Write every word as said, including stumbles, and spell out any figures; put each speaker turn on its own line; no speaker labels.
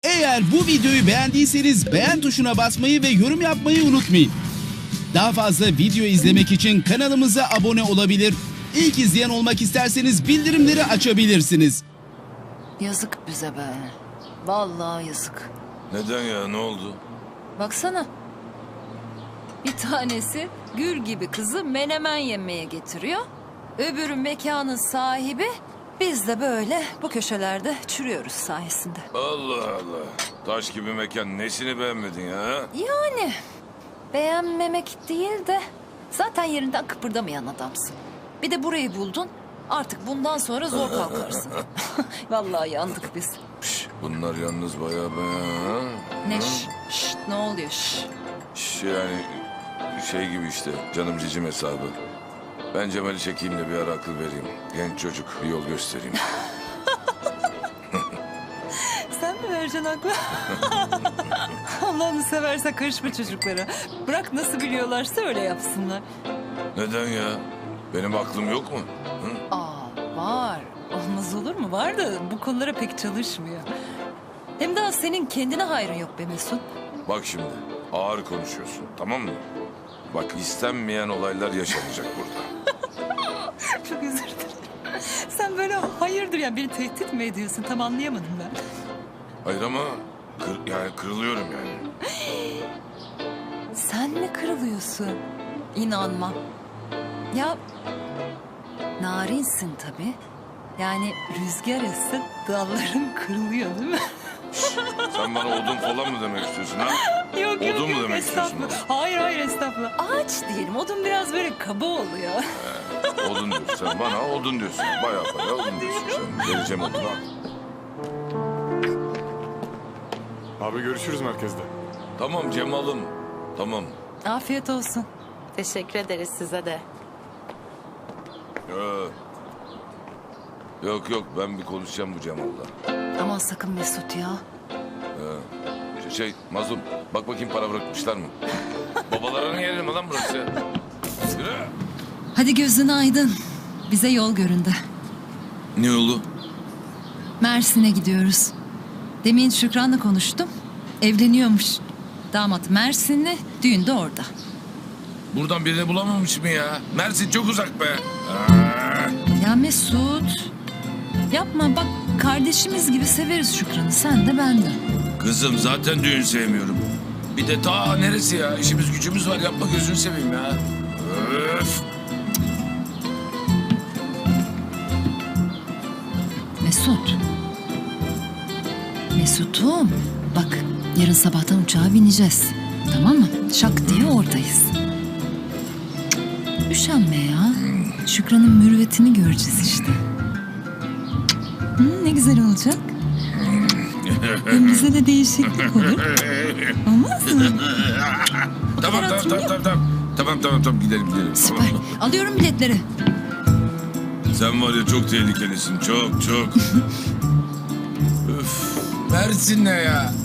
Eğer bu videoyu beğendiyseniz beğen tuşuna basmayı ve yorum yapmayı unutmayın. Daha fazla video izlemek için kanalımıza abone olabilir. İlk izleyen olmak isterseniz bildirimleri açabilirsiniz.
Yazık bize be. Vallahi yazık.
Neden ya, ne oldu?
Baksana. Bir tanesi gül gibi kızı menemen yemeye getiriyor. Öbürü mekanın sahibi. Biz de böyle bu köşelerde çürüyoruz sayesinde.
Allah Allah. Taş gibi mekan, nesini beğenmedin ya?
Yani beğenmemek değil de zaten yerinden kıpırdamayan adamsın. Bir de burayı buldun. Artık bundan sonra zor kalkarsın. Vallahi yandık biz.
Şş, bunlar yalnız bayağı be. Ha?
Ne
Ha?
şş, şş, ne oluyor şş?
Şş, yani şey gibi işte, canım cicim hesabı. Ben Cemal'i çekeyim de bir ara akıl vereyim. Genç çocuk, bir yol göstereyim.
Sen mi vereceksin aklı? Allah'ını seversen karışma çocuklara. Bırak nasıl biliyorlarsa öyle yapsınlar.
Neden ya? Benim aklım yok mu? Hı?
Aa var. Olmaz olur mu? Var da bu konulara pek çalışmıyor. Hem daha senin kendine hayrın yok be Mesut.
Bak şimdi, ağır konuşuyorsun, tamam mı? Bak, istenmeyen olaylar yaşanacak burada.
Çok özür dilerim. Sen böyle hayırdır ya beni tehdit mi ediyorsun? Tam anlayamadım ben.
Hayır ama kır, yani kırılıyorum yani.
Sen mi kırılıyorsun? İnanmam. Ya narinsin tabii. Yani rüzgar esse dalların kırılıyor değil mi?
Sen bana odun falan mı demek istiyorsun ha?
Yok
Odun mu demek istiyorsun
estağfurullah. Hayır hayır estağfurullah. Ağaç diyelim. Odun biraz böyle kaba oluyor.
Odun diyorsun sen bana, odun diyorsun. Bayağı bayağı odun diyorsun sen. Vereceğim odunu al.
Abi görüşürüz merkezde.
Tamam Cemal'ım, tamam.
Afiyet olsun.
Teşekkür ederiz size de.
Ee, yok yok, ben bir konuşacağım bu Cemal'la.
Aman sakın Mesut ya.
Şey, Mazlum, bak bakayım para bırakmışlar mı? Babalarının yeri mi lan burası? Yürü.
Hadi gözün aydın. Bize yol göründü.
Ne yolu?
Mersin'e gidiyoruz. Demin Şükran'la konuştum. Evleniyormuş. Damat Mersinli, düğün de orada.
Buradan birini bulamamış mı ya? Mersin çok uzak be. Aa.
Ya Mesut, yapma bak kardeşimiz gibi severiz Şükran'ı. Sen de ben de.
Kızım zaten düğün sevmiyorum. Bir de ta neresi ya? İşimiz gücümüz var, yapma gözünü seveyim ya. Öf.
Mesut. Mesut'um. Bak yarın sabahtan uçağa bineceğiz. Tamam mı? Şak diye oradayız. Cık, Üşenme ya. Şükran'ın mürüvvetini göreceğiz işte. Hı, ne güzel olacak. Hem bize de değişiklik olur. Olmaz mı?
Tamam tamam
hatırlıyor
tamam tamam tamam. Tamam tamam tamam gidelim gidelim.
Süper.
Tamam.
Alıyorum biletleri.
Sen var ya çok tehlikelisin, çok çok. Üf. Mersin ne ya?